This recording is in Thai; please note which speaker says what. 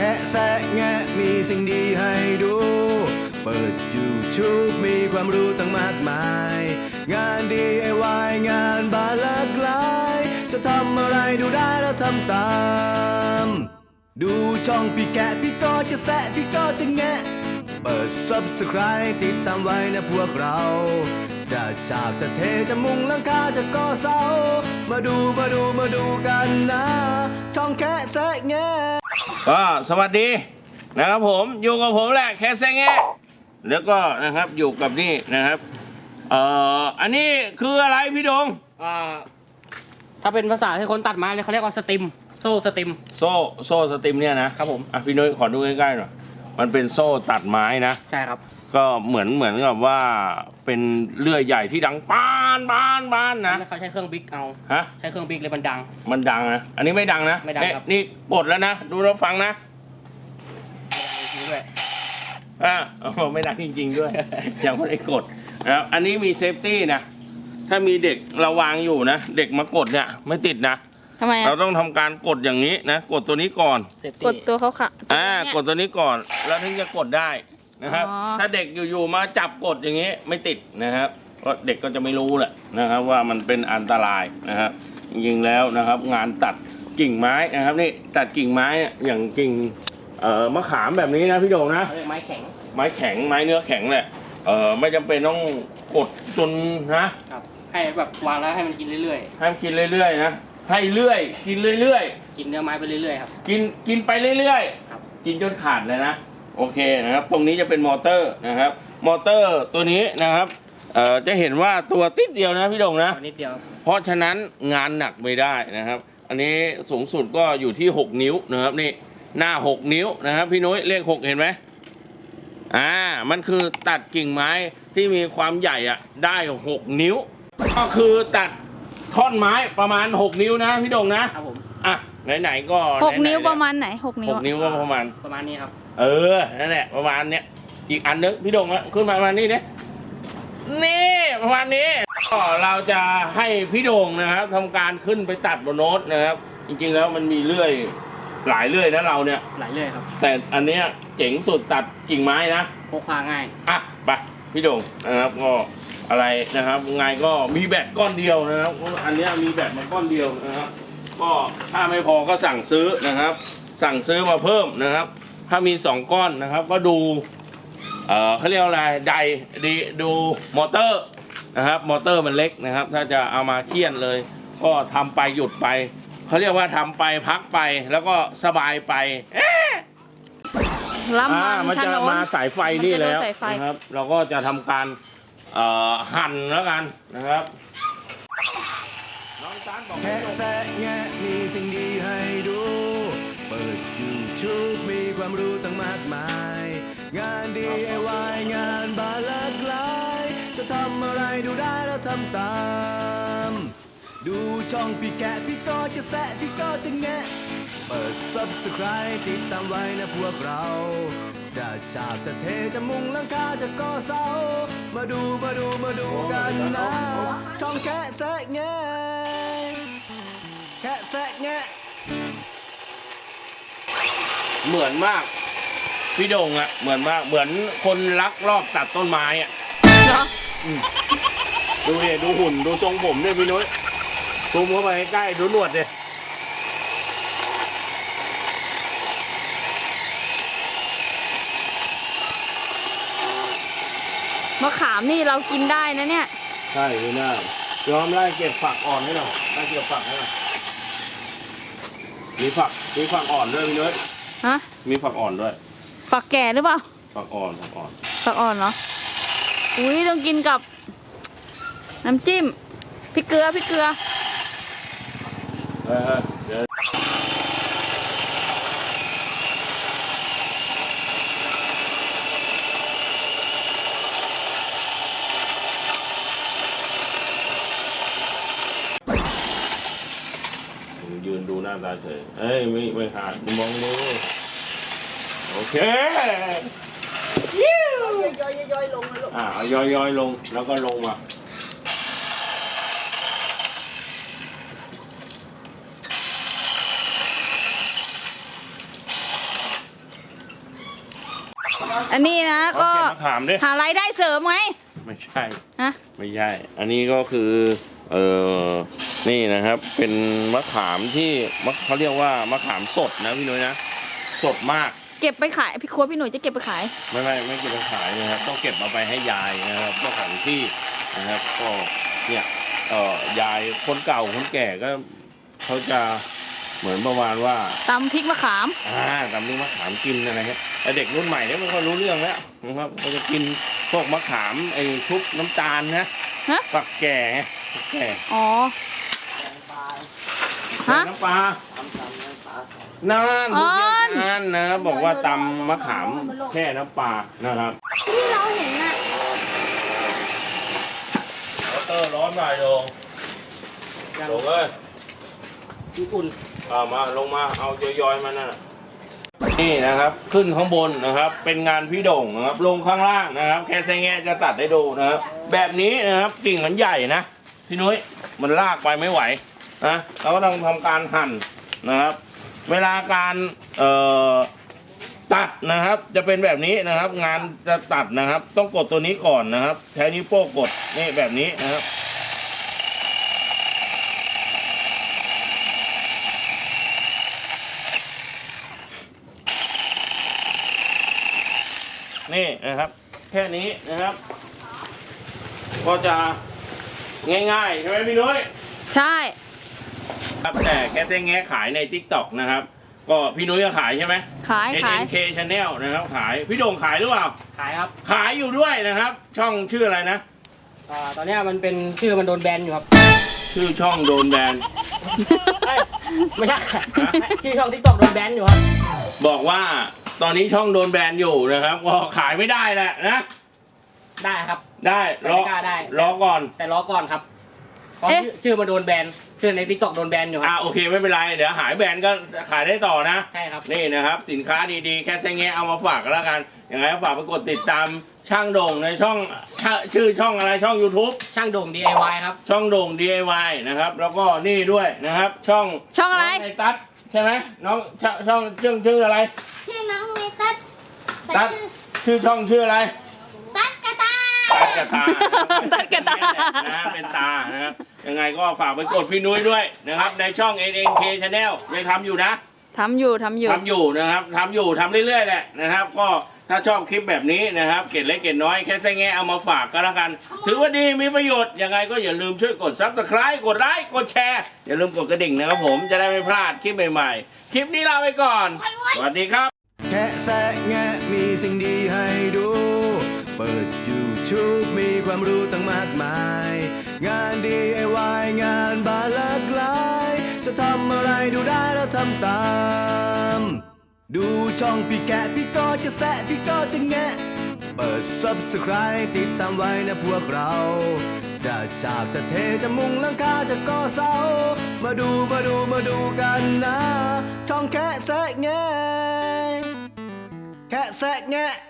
Speaker 1: ค่แซะแงะมีสิ่งดีให้ดู เปิด YouTube มีความรู้ตั้งมากมาย งาน DIY งานบานหลากหลายจะทำอะไรดูได้แล้วทำตามดูช่องพี่แกะพี่ก็จะแซะพี่ก็จะแงะเปิด Subscribe ติดตามไว้นะพวกเราจะฉาบจะเทจะมุงหลังคาจะก่อเสามาดูกันนะช่องแค่แซะแงะ
Speaker 2: ก็สวัสดีนะครับผมอยู่กับผมแหละแค่แซะแงะแล้วก็นะครับอยู่กับนี่นะครับอันนี้คืออะไรพี่ดง
Speaker 3: ถ้าเป็นภาษาที่คนตัดไม้เนี่ยเขาเรียกว่าสติมโซ่สติม
Speaker 2: โซ่สติมเนี่ยนะครับผมพี่นุ้ยขอดูใกล้ๆหน่อยมันเป็นโซ่ตัดไม้นะ
Speaker 3: ใช่ครับ
Speaker 2: ก็เหมือนกับว่าเป็นเลื่อยใหญ่ที่ดังป้านนะ
Speaker 3: เขาใช้เครื่องบิ๊กเอาใช้เครื่องบิ๊กเลยมัน
Speaker 2: ดังนะอันนี้ไม่ดังนะ
Speaker 3: ไม่ดังครับ
Speaker 2: นี่กดแล้วนะดูแล้วฟังนะไม่ดังจริงๆด้วยยังไม่ได้กดนะครับอันนี้มีเซฟตี้นะถ้ามีเด็กเราวางอยู่นะเด็กมากดเนี่ยไม่ติดนะ
Speaker 4: ทำไม
Speaker 2: เราต้องทำการกดอย่างนี้นะกดตัวนี้ก่อน
Speaker 4: กดตัวเขาค่ะ
Speaker 2: กดตัวนี้ก่อนแล้วถึงจะกดได้นะครับถ้าเด็กอยู่ๆมาจับกดอย่างนี้ไม่ติดนะครับก็เด็กก็จะไม่รู้แหละนะครับว่ามันเป็นอันตรายนะครับจริงๆแล้วนะครับงานตัดกิ่งไม้นะครับนี่ตัดกิ่งไม้อย่างกิ่งมะขามแบบนี้นะพี่โด่งนะ
Speaker 3: ไม้แข็ง
Speaker 2: ไม้เนื้อแข็งแหละไม่จำเป็นต้องกดจน
Speaker 3: นะครับให้แบบวางแล้วให้มันกินเรื่อย
Speaker 2: ๆให้มันกินเรื่อยๆนะให้เรื่อยกินเรื่อย
Speaker 3: ๆกินเนื้อไม้ไปเรื่อยๆครับ
Speaker 2: กินไปเรื่อย
Speaker 3: ๆครับ
Speaker 2: กินจนขาดเลยนะโอเคนะครับตรงนี้จะเป็นมอเตอร์นะครับมอเตอร์ตัวนี้นะครับจะเห็นว่าตัวติดเดียวนะพี่ดงนะ
Speaker 3: นิดเดียว
Speaker 2: เพราะฉะนั้นงานหนักไม่ได้นะครับอันนี้สูงสุดก็อยู่ที่6นิ้วนะครับนี่หน้า6นิ้วนะครับพี่นุ้ยเลข6เห็นไหมมันคือตัดกิ่งไม้ที่มีความใหญ่ได้6นิ้วก็คือตัดท่อนไม้ประมาณ6นิ้วนะพี่ดงนะครับ
Speaker 3: ผม
Speaker 2: ไหนๆก็
Speaker 4: 6นิ้วประมาณไหน6นิ้ว
Speaker 2: 6นิ้วก็ประมาณ
Speaker 3: นี้ครับ
Speaker 2: นั่นแหละประมาณเนี้ยอีกอันนึงพี่ดงขึ้นมาประมาณนี้เนี่ยนี่ประมาณนี้ก็เราจะให้พี่โด่งนะครับทำการขึ้นไปตัดบนโน้ตนะครับจริงๆแล้วมันมีเลื่อยหลายเลื่อยนะเราเนี่ย
Speaker 3: หลายเลื่อยครับ
Speaker 2: แต่อันเนี้ยเจ๋งสุดตัดกิ่งไม้นะ
Speaker 3: พกพาง่าย
Speaker 2: ไปพี่โด่งนะครับก็อะไรนะครับไงก็มีแบตก้อนเดียวนะครับอันเนี้ยมีแบตมาก้อนเดียวนะครับก็ถ้าไม่พอก็สั่งซื้อนะครับสั่งซื้อมาเพิ่มนะครับถ้ามี2ก้อนนะครับก็ดูเขาเรียกอะไรดูมอเตอร์นะครับมอเตอร์มันเล็กนะครับถ้าจะเอามาเคี่ยนเลยก็ทำไปหยุดไปเขาเรียกว่าทำไปพักไปแล้วก็สบายไปมันจะมาสายไฟนี่แล้วนะครับเราก็จะทำการหั่นแล้วกันนะครับ
Speaker 1: แค่แซะแงะมีสิ่งดีให้ดูเปิด YouTube มีความรู้ตั้งมากมายงาน DIY งานบานหลากหลายจะทำอะไรดูได้แล้วทำตามดูช่องพี่แกะพี่ก็จะแซะพี่ก็จะแงะเปิด Subscribe ติดตามไว้นะพวกเราจะฉาบจะเทจะมุงหลังคาจะก่อเสามาดูกันนะช่องแค่แซะแงะแค่แซะแงะ
Speaker 2: เหมือนมากพี่โด่งเหมือนมากเหมือนคนลักลอบตัดต้นไม้ดูเนี่ยดูหุ่นดูทรงผมเนี่ยพี่นุ้ยซูมเข้าไปใกล้ดูหนวดเนี่ย
Speaker 4: มะขามนี่เรากินได้นะเนี่ย
Speaker 2: ใช่ไม่ได้ยอมได้เก็บฝักอ่อนให้หน่อยได้เก็บฝักให้หน่อยมีฝักอ่อนด้วยพี่นุ้ยมีฝักอ่อนด้วย
Speaker 4: ฝักแก่หรือเปล่า
Speaker 2: ฝักอ่อน
Speaker 4: เหรออุ้ยต้องกินกับน้ำจิ้มพริกเกลือ
Speaker 2: เดี๋ยวยืนดูหน้าตาเฉยไม่ขาดมองดูโอเค
Speaker 4: ย่อยลงนะลูก
Speaker 2: ย่อยลงแล้วก็ลงมา
Speaker 4: อันนี้นะ
Speaker 2: ก็
Speaker 4: ก็
Speaker 2: เก็บมะขามด้วย
Speaker 4: หารายได้เสริมไง
Speaker 2: ไม่ใช่
Speaker 4: ฮะ
Speaker 2: ไม่ใช่ อันนี้ก็คือนี่นะครับ เป็นมะขามที่เขาเรียกว่ามะขามสดนะพี่นุ้ยนะ สดมาก
Speaker 4: เก็บไปขายพี่ครัวพี่หนุ่ยจะเก็บไปขาย
Speaker 2: ไม่เก็บไปขายนะครับ ต้องเก็บเอาไปให้ยายนะครับเจ้าของที่นะครับ ก็เนี่ยยายคนเก่าคนแก่ก็เขาจะเหมือนประมาณว่า
Speaker 4: ตำพริกมะขาม
Speaker 2: ตำลูกมะขามกินอะไรครับแต่เด็กรุ่นใหม่เนี่ยมันก็รู้เรื่องแล้วนะครับเขาจะกินพวกมะขามไอ้ชุบน้ำตาลนะ
Speaker 4: ฮะ
Speaker 2: ฝักแก่ไงฝักแก่
Speaker 4: อ๋อ ฮะ
Speaker 2: น้ำปลา นั่นผู้เชี่ยวชาญนะบอกว่าตำมะขามแค่น้ำปลานะครับ
Speaker 4: ที่เราเห็นน่ะ
Speaker 2: มอเตอร์ร้อนหน่อยลงเลย
Speaker 3: อุ่น
Speaker 2: มาลงมาเอาย่อยๆมานั่นน่ะนี่นะครับขึ้นข้างบนนะครับ เป็นงานพี่โด่งนะครับลงข้างล่างนะครับ แค่แซงแงะจะตัดให้ดูนะครับ แบบนี้นะครับกิ่งมันใหญ่นะพี่นุ้ยมันลากไปไม่ไหวนะเราก็ต้องทำการหั่นนะครับ เวลาการตัดนะครับจะเป็นแบบนี้นะครับ งานจะตัดนะครับ ต้องกดตัวนี้ก่อนนะครับใช้นิ้วโป้งกดนี่แบบนี้นะครับนี่นะครับ แค่นี้นะครับ ก็จะง่ายๆใช่ไหมพี่นุ้ย
Speaker 4: ใช่
Speaker 2: ครับแต่แกเซ้งแงะขายใน TikTok นะครับ ก็พี่นุ้ยก็ขายใช่ไหม
Speaker 4: ขาย
Speaker 2: NNK Channel นะครับขายพี่โด่งขายหรือเปล่า
Speaker 3: ขายครับ
Speaker 2: ขายอยู่ด้วยนะครับ ช่องชื่ออะไรนะ
Speaker 3: ตอนเนี้ยมันเป็นชื่อมันโดนแบนอยู่ครับ
Speaker 2: ชื่อช่องโดนแบน
Speaker 3: เอ้ยไม่ใช่ชื่อช่องทิกตอกโดนแบนอยู่ครับ
Speaker 2: บอกว่าตอนนี้ช่องโดนแบนอยู่นะครับก็ขายไม่ได้แหละนะ
Speaker 3: ได้ครับ
Speaker 2: ได้รอ
Speaker 3: ไม่กล้าได้
Speaker 2: รอก่อน
Speaker 3: แต่รอก่อนครับเพราะชื่อมันโดนแบนชื่อในทิกตอกโดนแบนอยู่ครับ
Speaker 2: โอเคไม่เป็นไรเดี๋ยวหายแบนก็ขายได้ต่อนะ
Speaker 3: ใช่ครับ
Speaker 2: นี่นะครับ สินค้าดีๆแค่แซงแงะเอามาฝากกันแล้วกันยังไงก็ฝากไปกดติดตามช่างโด่งในช่องชื่อช่องอะไรช่อง YouTube
Speaker 3: ช่างโด่ง DIY ครับ
Speaker 2: ช่องโด่ง DIY นะครับ แล้วก็นี่ด้วยนะครับ ช่อง
Speaker 4: ช่องอะไร
Speaker 2: น้งไอตัดใช่ไหมน้องช่องชื่ออะไร
Speaker 5: ชื่อน้องเมตัส
Speaker 2: ตัดชื่อช่องชื่ออะไร
Speaker 5: ตัสกระตา
Speaker 2: ตัดกระตา
Speaker 4: ตัดกระตา
Speaker 2: นะเป็นตานะครับยังไงก็ฝากไปกดพี่นุ้ยด้วยนะครับ ในช่อง NNK Channel ยังทำอยู่นะ
Speaker 4: ทำอยู่
Speaker 2: ทำอยู่นะครับทำเรื่อยๆแหละนะครับ ก็ถ้าชอบคลิปแบบนี้นะครับ เกร็ดเล็กเกร็ดน้อยแค่แซงแงะเอามาฝากก็แล้วกัน ถือว่าดีมีประโยชน์ยังไงก็อย่าลืมช่วยกด Subscribe กดไลค์กดแชร์อย่าลืมกดกระดิ่งนะครับผมจะได้ไม่พลาดคลิปใหม่ๆคลิปนี้ลาไปก่อนสวัสดีครับ
Speaker 1: แค่แซะแงะมีสิ่งดีให้ดู เปิด YouTube มีความรู้ตั้งมากมาย งาน DIY งานบานหลากหลาย จะทำอะไรดูได้แล้วทำตาม ดูช่องพี่แกะพี่ก็จะแซะพี่ก็จะแงะ เปิด Subscribe ติดตามไว้นะพวกเรา จะฉาบจะเทจะมุงหลังคาจะก่อเสา มาดูกันนะ ช่องแค่แซะแงะแค่แซะแงะ